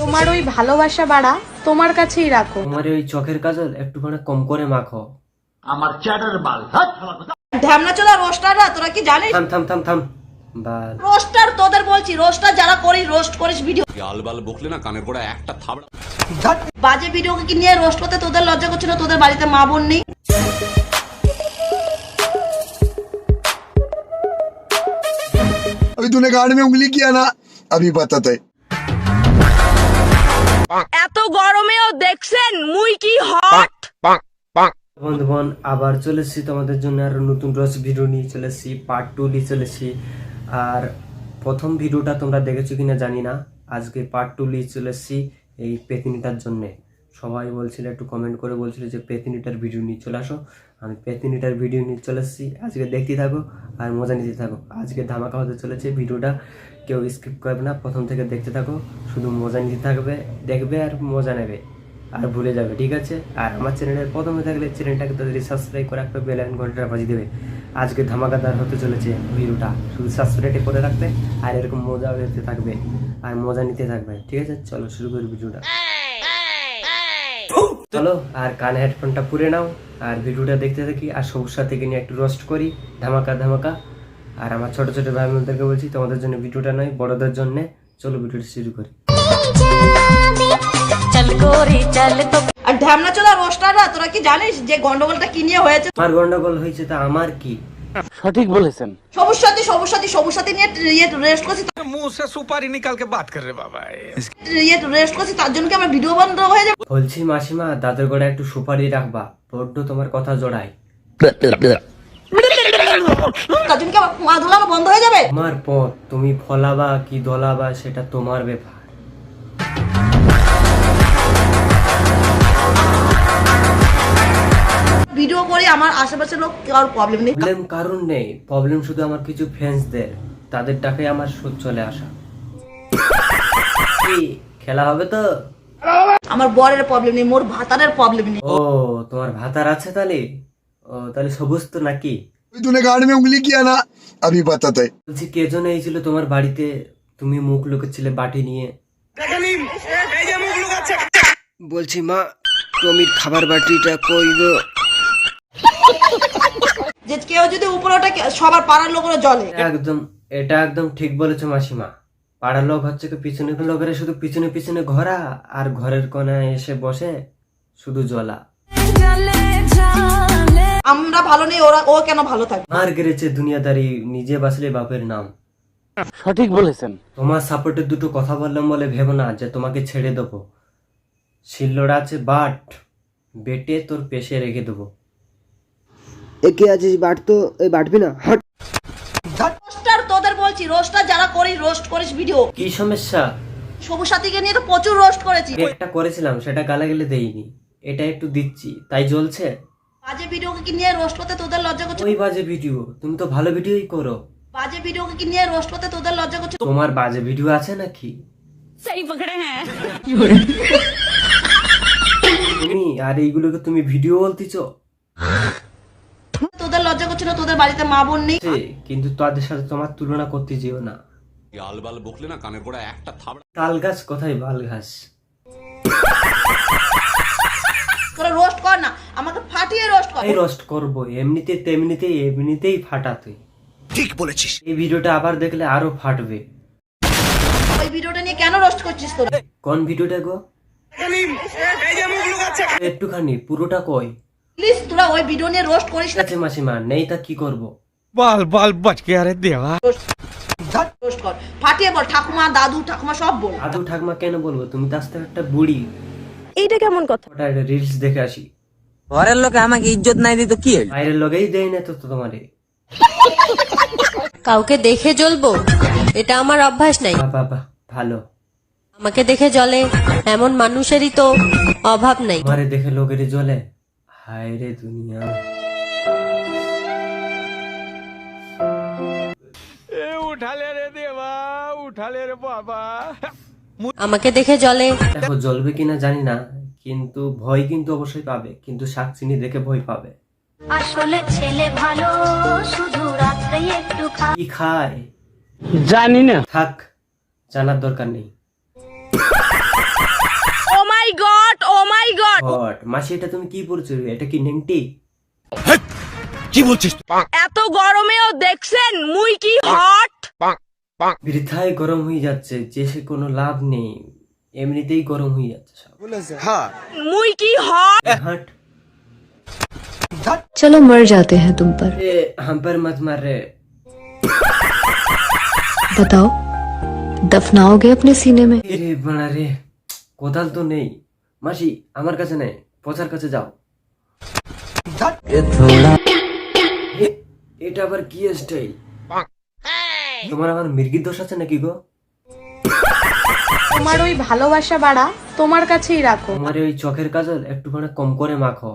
তোমার ওই ভালোবাসা বাড়া তোমার কাছেই রাখো। তোমার ওই চোখের কাজল একটুখানি কম করে মাখো। আমার চ্যাটার বাল ঢ্যামনা চোদা রোস্টাররা, তোরা কি জানিস? থাম থাম থাম থাম বাল। রোস্টার তোদের বলছি, রোস্টার যারা করিস, রোস্ট করিস ভিডিও, আলবাল বকলে না কানের গোড়া একটা থাবড়া। বাজে ভিডিওকে কি নিয়ে রোস্ট করতে তোদের লজ্জা করছে না? তোদের বাড়িতে মা বোন নেই? अभी तूने गाड़ में उंगली किया ना, अभी बताते। এত গরমেও দেখছেন মুই কি হট। বন্ধুগণ আবার চলেছি তোমাদের জন্য আরো নতুন রস ভিডিও নিয়ে চলেছি, পার্ট 2 নিয়ে চলেছি। আর প্রথম ভিডিওটা তোমরা দেখেছো কিনা জানি না, আজকে পার্ট 2 নিয়ে চলেছি এই পেতিনিটার জন্য। সবাই বলছিল, একটু কমেন্ট করে বলছিল যে পেতিনিটার ভিডিও নিয়ে চলে আসো। আমি পেতিনিটার ভিডিও নিয়ে চলে এসেছি, আজকে দেখতে থাকো আর মজা নিতে থাকো। আজকে ধামাকা হতে চলেছে, ভিডিওটা কেউ স্কিপ করবে না, প্রথম থেকে দেখতে থাকো, শুধু মজা নিতে থাকবে, দেখবে আর মজা নেবে আর ভুলে যাবে, ঠিক আছে? আর আমার চ্যানেলের প্রথমে থাকলে চ্যানেলটাকে তাড়াতাড়ি সাবস্ক্রাইব করে একটা বেল আইকন ঘন্টাটা বাজিয়ে দেবে। আজকে ধামাকাদার হতে চলেছে ভিডিওটা, শুধু সাবস্ক্রাইব করে রাখতে আর এরকম মজা নিতে থাকবে আর মজা নিতে থাকবে, ঠিক আছে? চলো শুরু করি ভিডিওটা। চলো আর কানে হেডফোনটা পুরে নাও আর ভিডিওটা দেখতে থাকি, আর সবুজ সাথীকে নিয়ে একটু রোস্ট করি, ধামাকা ধামাকা। আর আমার ছোট ছোট ভাই বোনদেরকে বলছি, তোমাদের জন্য ভিডিওটা নয়, বড়দের জন্য। চলো ভিডিওটা শুরু করি। আর ঢ্যামনা চোদা রোস্টাররা, তোরা কি জানিস যে গন্ডগোলটা কি নিয়ে হয়েছে? আমার গন্ডগোল হয়েছে তা আমার কি? সঠিক বলেছেন। সবুজ সাথী নিয়ে রেস্ট করছি, मुंह से सुपारी निकाल के बात कर रहे बाबा। রেস্ট করছি, তার জন্য কি আমার ভিডিও বন্ধ হয়ে যাবে? বলছি মাসিমা, দাদুর গোড়া একটু সুপারি রাখবা, বড্ড তোমার কথা জড়াই। তার জন্য কি আমার মা ধুলানো বন্ধ হয়ে যাবে? তোমার পথ, তুমি ফলাবা কি দলাবা সেটা তোমার ব্যাপার। ভিডিও করি, আমার আশেপাশের লোক কারোর প্রবলেম নেই। প্রবলেম কারণ নেই, প্রবলেম শুধু আমার কিছু ফ্যান্সদের, তাদের টাকায় আমার সুদ চলে আসা। কি খেলা হবে তো? আমার বরের প্রবলেম নেই, মোর ভাতারের প্রবলেম নেই। ও তোমার ভাতার আছে তাহলে? ও তাহলে সবুজ তো নাকি? अभी तूने गाड़ में उंगली किया ना, अभी बताते। বলছি কে জন এইছিল তোমার বাড়িতে, তুমি মুখ লুকাচ্ছিলে বাটি নিয়ে? বলছি মা, টমির খাবার বাটিটা কই গো? যে কেউ যদি উপরে ওঠে, সবার পাড়ার লোকেরা জলে। এটা একদম ঠিক বলেছো মাসিমা। পাড়ার লোক হচ্ছে কি, পিছনে লোকেরা শুধু পিছনে পিছনে ঘোরা আর ঘরের কোনায় এসে বসে শুধু জ্বলা। আমরা ভালো নেই, ও কেন ভালো থাকবে? মার গেড়েছে দুনিয়াদারি, নিজে বাঁচলে বাপের নাম। সঠিক বলেছেন। তোমার সাপোর্টের দুটো কথা বললাম বলে ভেবো না যে তোমাকে ছেড়ে দেবো। শিল্লড় আছে বাট, বেটে তোর পেশে রেখে দেবো। একে আছিস বাট তো, এই বাটবি না, হট। রোস্টার তোদের বলছি, রোস্টার যারা করিস, রোস্ট করিস ভিডিও, কি সমস্যা? সবুজ সাথীকে নিয়ে তো প্রচুর রোস্ট করেছি। একটা করেছিলাম, সেটা গালাগালি দেইনি, এটা একটু দিচ্ছি তাই জ্বলছে। বাজে ভিডিওকে কি নিয়ে রোস্ট করতে তোদের লজ্জা করছে? ওই বাজে ভিডিও, তুমি তো ভালো ভিডিওই করো। বাজে ভিডিওকে কি নিয়ে রোস্ট করতে তোদের লজ্জা করছে? তোমার বাজে ভিডিও আছে নাকি? তুমি আর এইগুলোকে তুমি ভিডিও বলতেছো? তোদের লজ্জা করছে না? তোদের বাড়িতে মা বোন নেই? কিন্তু তাদের সাথে তোমার তুলনা করতে যেও না। আলবাল বকলে না কানের গোড়া একটা থাবড়া। তাল গাছ কোথায় বাল ঘাস? তোরা রোস্ট কর না, আমাকে ফাটিয়ে রোস্ট কর। এই রোস্ট করবো, এমনিতেই ফাটা তুই। ठीक बोलेছিস। এই ভিডিওটা আবার দেখলে আরো ফাটবে। ওই ভিডিওটা নিয়ে কেন রোস্ট করছিস তোরা? কোন ভিডিওটা গো? একটুখানি পুরোটা কই। প্লিজ তোরা ওই ভিডিও নিয়ে রোস্ট করিস ঠিক না। আছে মাসিমা, নেই তা কি করবো? बाल बाल बच गया रे देवा। রোস্ট কর, ফাটিয়ে বল, ঠাকুমা দাদু ঠাকুমা সব বল। দাদু ঠাকমা কেন বলবো? তুমি তো আসতে একটা বুড়ি। এইটা কেমন কথা? ওটা রিলস দেখে আসি। ঘরের লোকে আমাকে ইজ্জত নাই দিত কি হইল? বাইরের লোকেই দেয় না তো তোমারে। কাউকে দেখে জ্বলবো এটা আমার অভ্যাস নাই। বাবা ভালো, আমাকে দেখে জ্বলে এমন মানুষেরই তো অভাব নাই। তোমারে দেখে লোকের জ্বলে, হায় রে দুনিয়া। उठा ले रे देवा, उठा ले रे बाबा। আমাকে দেখে জ্বলে। দেখো জ্বলবে কিনা জানি না, কিন্তু ভয় কিন্তু অবশ্যই পাবে, কিন্তু শাকচিনি দেখে ভয় পাবে। আসলে ছেলে ভালো, শুধু রাত্রে একটু কি খায় জানি না। থাক, জানার দরকার নেই। হট। মাসি এটা তুমি কি পড়ছো? এটা কি নেংটি? এত গরমেও দেখছেন মুই কি হট। বৃথায় গরম হয়ে যাচ্ছে, যে সে কোনো লাভ নেই, এমনিতেই গরম হয়ে যাচ্ছে সব। মুই কি হট। হাট চলো মর যাতে হ্যাঁ তুম পর। এ হাম पर मत मार रे। बताओ दफनाओगे अपने सीने में? রে বাড়া রে, কোদাল তো নেই। মাসি আমার কাছে নেই, পচার কাছে যাও। এটা আবার কি স্টাইল? তোমার আমার মির্গির দোষ আছে নাকি গো? তোমার ওই ভালোবাসা বাড়া তোমার কাছেই রাখো। তোমার ওই চোখের কাজল একটু মানে কম করে মাখো,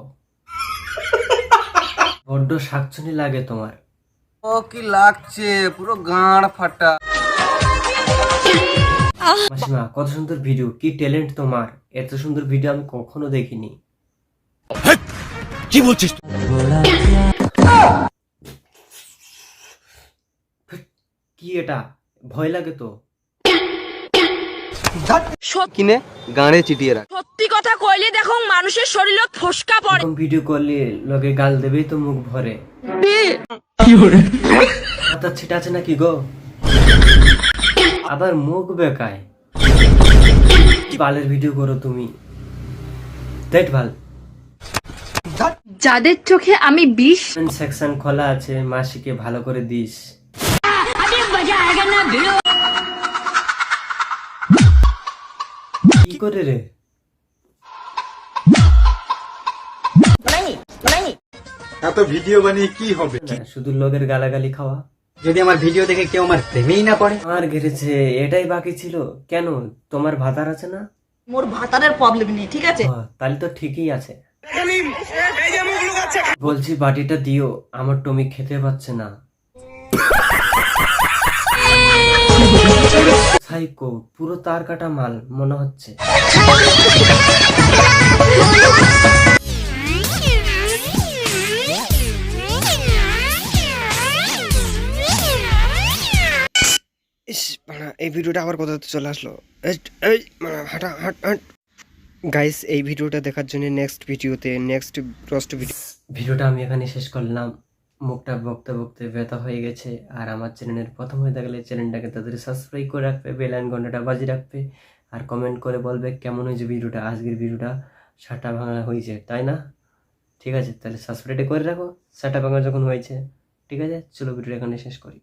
বড্ড শাকচুনি লাগে তোমার। ও কি লাগছে, পুরো গাঁড় ফাটা। মাসিমা কত সুন্দর ভিডিও, কি ট্যালেন্ট তোমার, এত সুন্দর ভিডিও আমি কখনো দেখিনি। কি বলছিস? কি এটা, ভয় লাগে তো। কিনে গাঁড়ে চিটিয়ে রাখ। সত্যি কথা কইলে দেখো মানুষের শরীরে ফসকা পড়ে। এরকম ভিডিও করলে লোকে গাল দেবেই তো মুখ ভরে। মাথা ছিটা আছে নাকি গো? আবার মুখ বেকায়। বালের ভিডিও করো তুমি, দেখ ভাল। যাদের চোখে আমি বিষ, সেকশন খোলা আছে, মাসিকে ভালো করে দিস। কি করে রে? এত ভিডিও বানিয়ে কি হবে? না, শুধু লোকের গালাগালি খাওয়া। যদি আমার ভিডিও দেখে কেউ আমার প্রেমেই না পড়ে। আর ঘেরেছে, এটাই বাকি ছিল। কেন, তোমার ভাতার আছে না? মোর ভাতারের প্রবলেম নেই, ঠিক আছে? তাহলে তো ঠিকই আছে। বলছি বাটিটা দিও, আমার টমি খেতে পাচ্ছে না। সাইকো, পুরো তার কাটা মাল মনে হচ্ছে। এই ভিডিওটা আবার কোথাতে চলে আসলো? গাইস, এই ভিডিওটা দেখার জন্য নেক্সট ভিডিওটা আমি এখানে শেষ করলাম। মুখটা বকতে বকতে ব্যথা হয়ে গেছে। আর আমার চ্যানেলের প্রথম হয়ে থাকলে চ্যানেলটাকে তাদের সাবস্ক্রাইব করে রাখবে, বেল আইকন ঘন্টাটা বাজিয়ে রাখবে, আর কমেন্ট করে বলবে কেমন হয়েছে ভিডিওটা। আজকের ভিডিওটা সাটা ভাঙা হয়েছে, তাই না? ঠিক আছে, তাহলে সাবস্ক্রাইব করে রাখো সাটা ভাঙা যখন হয়েছে। ঠিক আছে, চলো ভিডিওটা এখানে শেষ করি।